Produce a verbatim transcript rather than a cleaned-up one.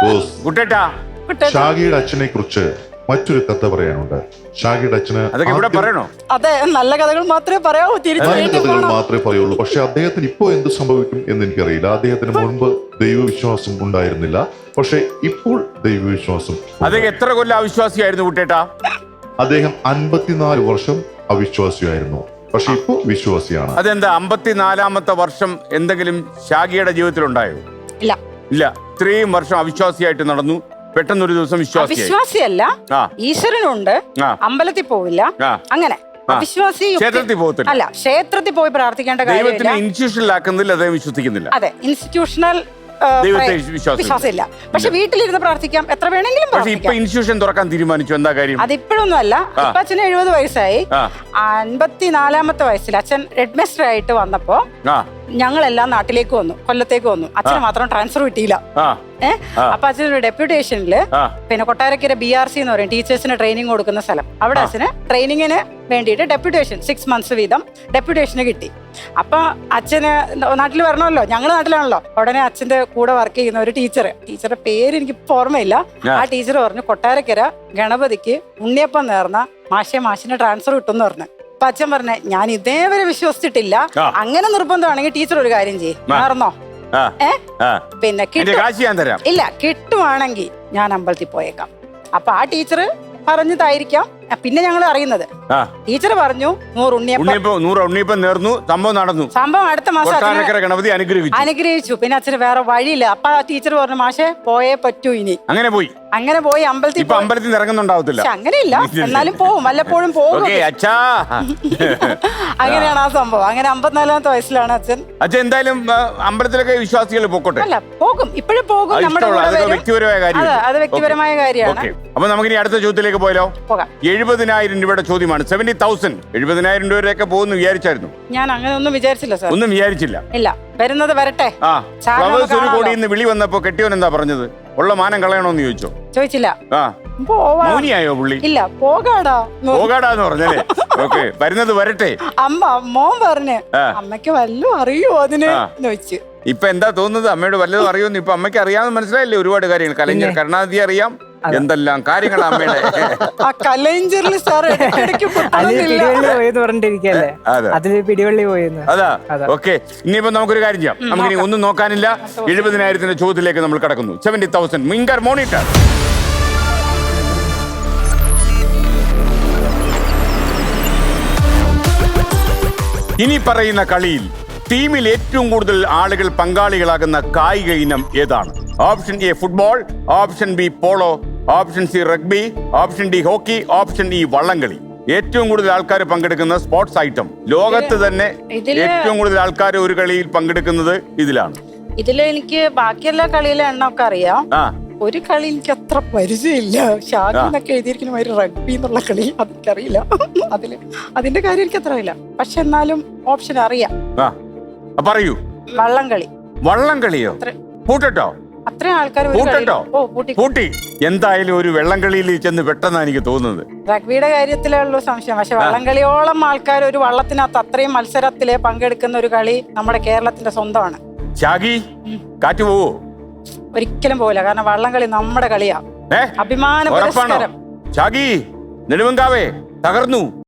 കുട്ടേട്ടാ, ഷാഗിയുടെ അച്ഛനെ കുറിച്ച് മറ്റൊരു കഥ പറയാനുണ്ട്. ഷാഗിയുടെ അച്ഛന് അതൊക്കെ ഇവിടെ പറയണോ? അതെ, നല്ല കഥകൾ മാത്രമേ പറയാവൂ. നല്ല കഥകൾ മാത്രമേ പറയുള്ളൂ. പക്ഷെ അദ്ദേഹത്തിന് ഇപ്പോ എന്ത് സംഭവിക്കും എന്ന് എനിക്കറിയില്ല. അദ്ദേഹത്തിന് മുൻപ് ദൈവവിശ്വാസം ഉണ്ടായിരുന്നില്ല, പക്ഷെ ഇപ്പോൾ ദൈവവിശ്വാസം. അദ്ദേഹം എത്ര കൊല്ലം അവിശ്വാസിയായിരുന്നു കുട്ടേട്ടാ? അദ്ദേഹം അൻപത്തിനാല് വർഷം അവിശ്വാസിയായിരുന്നു, പക്ഷെ ഇപ്പോ വിശ്വാസിയാണ്. അതെന്താ അമ്പത്തിനാലാമത്തെ വർഷം എന്തെങ്കിലും ഷാഗിയുടെ ജീവിതത്തിൽ ഉണ്ടായോ? ഇല്ല ഇല്ല. ഇത്രയും വർഷം അവിശ്വാസിയായിട്ട് നടന്നു, പെട്ടെന്ന് ഒരു ദിവസം വിശ്വാസിയായി. വിശ്വാസിയല്ല, ഈശ്വരനുണ്ട്, അമ്പലത്തിൽ പോവില്ല, അങ്ങനെ അവിശ്വാസി. ക്ഷേത്രത്തിൽ പോകത്തില്ല. അല്ല, ക്ഷേത്രത്തിൽ പോയി പ്രാർത്ഥിക്കേണ്ട കാര്യമില്ല. ദൈവത്തിനെ ഇൻസ്റ്റിറ്റ്യൂഷനിലാക്കുന്നില്ല, അദ്ദേഹം വിശ്വസിക്കുന്നില്ല. അതെ, ഇൻസ്റ്റിറ്റ്യൂഷണൽ ദൈവത്തെ വിശ്വാസം വിശ്വാസമില്ല. പക്ഷെ വീട്ടിലിരുന്ന് പ്രാർത്ഥിക്കാം, എത്ര വേണമെങ്കിലും പക്ഷെ ഇപ്പൊ പ്രാർത്ഥിക്കാം. ഇൻസ്റ്റിറ്റ്യൂഷൻ തുറക്കാൻ തീരുമാനിച്ചു, എന്താ കാര്യം? അതിപ്പോഴൊന്നും അല്ല. ഇപ്പൊ അച്ഛന് എഴുപത് വയസ്സായി. ആ അൻപത്തിനാലാമത്തെ വയസ്സിൽ അച്ഛൻ ഹെഡ് മാസ്റ്റർ ആയിട്ട് വന്നപ്പോ ആ ഞങ്ങളെല്ലാം നാട്ടിലേക്ക് വന്നു, കൊല്ലത്തേക്ക് വന്നു. അച്ഛന് മാത്രം ട്രാൻസ്ഫർ കിട്ടിയില്ല. ആ ഏഹ് അപ്പൊ അച്ഛനൊരു ഡെപ്യൂട്ടേഷനില് ആ പിന്നെ കൊട്ടാരക്കര ബി ആർ സി എന്ന് പറയും, ടീച്ചേഴ്സിന് ട്രെയിനിങ് കൊടുക്കുന്ന സ്ഥലം. അവിടെ അച്ഛന് ട്രെയിനിങ്ങിന് വേണ്ടിയിട്ട് ഡെപ്യൂട്ടേഷൻ സിക്സ് മന്ത്സ് വീതം ഡെപ്യൂട്ടേഷന് കിട്ടി. അപ്പൊ അച്ഛന് നാട്ടിൽ വരണമല്ലോ, ഞങ്ങൾ നാട്ടിലാണല്ലോ. ഉടനെ അച്ഛന്റെ കൂടെ വർക്ക് ചെയ്യുന്ന ഒരു ടീച്ചർ, ടീച്ചറുടെ പേര് എനിക്ക് ഇപ്പൊ ഓർമ്മയില്ല, ആ ടീച്ചർ പറഞ്ഞു കൊട്ടാരക്കര ഗണപതിക്ക് ഉണ്ണിയപ്പം നേർന്ന മാഷെ മാഷിന് ട്രാൻസ്ഫർ കിട്ടുമെന്ന് പറഞ്ഞു. അപ്പൊ അച്ഛൻ പറഞ്ഞേ, ഞാൻ ഇതേവരെ വിശ്വസിച്ചിട്ടില്ല, അങ്ങനെ നിർബന്ധമാണെങ്കിൽ ടീച്ചർ ഒരു കാര്യം ചെയ്യും, നേർന്നോ. ഏ പിന്നെ ഇല്ല, കിട്ടുവാണെങ്കിൽ ഞാൻ അമ്പലത്തിൽ പോയേക്കാം. അപ്പൊ ആ ടീച്ചർ പറഞ്ഞതായിരിക്കാം. പിന്നെ ഞങ്ങൾ അറിയുന്നത് ടീച്ചർ പറഞ്ഞു നൂറ് ഉണ്ണിയപ്പം നൂറ് ഉണ്ണിയപ്പം നേർന്നു, സംഭവം നടന്നു. സംഭവം അടുത്ത മാസം ഗണപതി അനുഗ്രഹിച്ചു അനുഗ്രഹിച്ചു പിന്നെ അച്ഛന് വേറെ വഴിയില്ല. അപ്പൊ ആ ടീച്ചർ പറഞ്ഞു, മാഷെ പോയേ പറ്റൂ ഇനി. അങ്ങനെ പോയി അങ്ങനെ പോയി അമ്പലത്തിൽ അമ്പലത്തിൽ ഇറങ്ങുന്നുണ്ടാവത്തില്ല. അങ്ങനെയില്ല, എന്നാലും പോവും, വല്ലപ്പോഴും പോകും. അങ്ങനെയാണ് ആ സംഭവം. അങ്ങനെ അമ്പത്തിനാലാമത്തെ വയസ്സിലാണ് അച്ഛൻ. അച്ഛൻ എന്തായാലും അമ്പലത്തിലൊക്കെ വിശ്വാസികൾ പോക്കോട്ടെ. അല്ല, പോകും, ഇപ്പോഴും പോകും. നമ്മുടെ വ്യക്തിപരമായ കാര്യം, അത് വ്യക്തിപരമായ കാര്യമാണ്. അപ്പൊ നമുക്കിനി അടുത്ത ചോദ്യത്തിലേക്ക് പോയാലോ? പോകാം. എഴുപതിനായിരം രൂപയുടെ ചോദ്യമാണ്. സെവന്റി തൗസൻഡ് എഴുപതിനായിരം രൂപയൊക്കെ പോകുന്നു വിചാരിച്ചായിരുന്നു? ഞാൻ അങ്ങനെ ഒന്നും വിചാരിച്ചില്ല സാർ. ഒന്നും വിചാരിച്ചില്ല. ഇല്ല, വരുന്നത് വരട്ടെ. ആ ഫ്ലവേഴ്സ് ഒരു കോടിയിൽ നിന്ന് വിളി വന്നപ്പോ കെട്ടിയോൻ എന്താ പറഞ്ഞത്? ഉള്ള മാനം കളയണോന്ന് ചോദിച്ചോ? ചോദിച്ചില്ല. ആ മൗനിയായോ പുള്ളി? ഇല്ല, പോകാടാ പോകാടാന്ന് പറഞ്ഞല്ലേ? ഓക്കെ, വരുന്നത് വരട്ടെ. അമ്മ മോൻ പറഞ്ഞ് അമ്മയ്ക്ക് വല്ലതും അറിയോ അതിന് ചോദിച്ചു. ഇപ്പൊ എന്താ തോന്നുന്നത്? അമ്മയോട് വല്ലതും അറിയോന്ന് ഇപ്പൊ അമ്മയ്ക്ക് അറിയാമെന്ന് മനസ്സിലായില്ലേ? ഒരുപാട് കാര്യങ്ങൾ, കലഞ്ഞർ കരുണാനിധി അറിയാം, എന്തെല്ലാം കാര്യങ്ങൾ അമ്മയുടെ. ആ കലൈഞ്ചറിൽ സാർ പിടിവള്ളി പോയെന്ന്. അതാ ഓക്കെ. ഇനിയിപ്പോ നമുക്കൊരു കാര്യം ചെയ്യാം, നമുക്കിനി ഒന്നും നോക്കാനില്ല. എഴുപതിനായിരത്തിന്റെ ചോദ്യത്തിലേക്ക് നമ്മൾ കടക്കുന്നു. സെവന്റി തൗസൻഡ് മിങ്കർ മോണിറ്റർ. ഇനി പറയുന്ന കളിയിൽ ടീമിൽ ഏറ്റവും കൂടുതൽ ആളുകൾ പങ്കാളികളാകുന്ന കായിക ഇനം ഏതാണ്? Option A football, option B polo, option C rugby, option D hockey, option E വള്ളംകളി. ഏറ്റവും കൂടുതൽ ആൾക്കാർ പങ്കെടുക്കുന്ന സ്പോർട്സ് ഐറ്റം ലോകത്ത് തന്നെ ഏറ്റവും കൂടുതൽ ആൾക്കാർ ഒരു കളിയിൽ പങ്കെടുക്കുന്നത് ഇതിലാണ്. ഇതില് എനിക്ക് ബാക്കിയെല്ലാ കളിയിലെ എണ്ണമൊക്കെ അറിയാം. ഒരു കളി എനിക്ക് അത്ര പരിചയമില്ല. ഷാഗിന്നൊക്കെ എഴുതിയിരിക്കുന്ന മാതിരി റഗ്ബി എന്നുള്ള കളി അതെനിക്കറിയില്ല. അതില് അതിന്റെ കാര്യം എനിക്ക് അത്ര അറിയില്ല. പക്ഷെ എന്നാലും ഓപ്ഷൻ അറിയാം. പറയൂ. വള്ളംകളി. വള്ളംകളിയോ? പൂട്ടട്ടോ? അത്രയും ആൾക്കാർ പൂട്ടി. എന്തായാലും ഒരു വെള്ളംകളിയിൽ ചെന്ന് പെട്ടെന്നാണ് എനിക്ക് തോന്നുന്നത്. റഗ്ബിയുടെ കാര്യത്തിലേ ഉള്ളൂ സംശയം. പക്ഷെ വള്ളംകളിയോളം ആൾക്കാർ ഒരു വള്ളത്തിനകത്ത് അത്രയും മത്സരത്തില് പങ്കെടുക്കുന്ന ഒരു കളി നമ്മുടെ കേരളത്തിന്റെ സ്വന്തമാണ്. ഷാഗി, കാറ്റ് പോവോ? ഒരിക്കലും പോവില്ല, കാരണം വള്ളംകളി നമ്മുടെ കളിയാ. അഭിമാന പുരസ്കാരം. ഷാഗി, നെടുവങ്കാവേ തകർന്നു.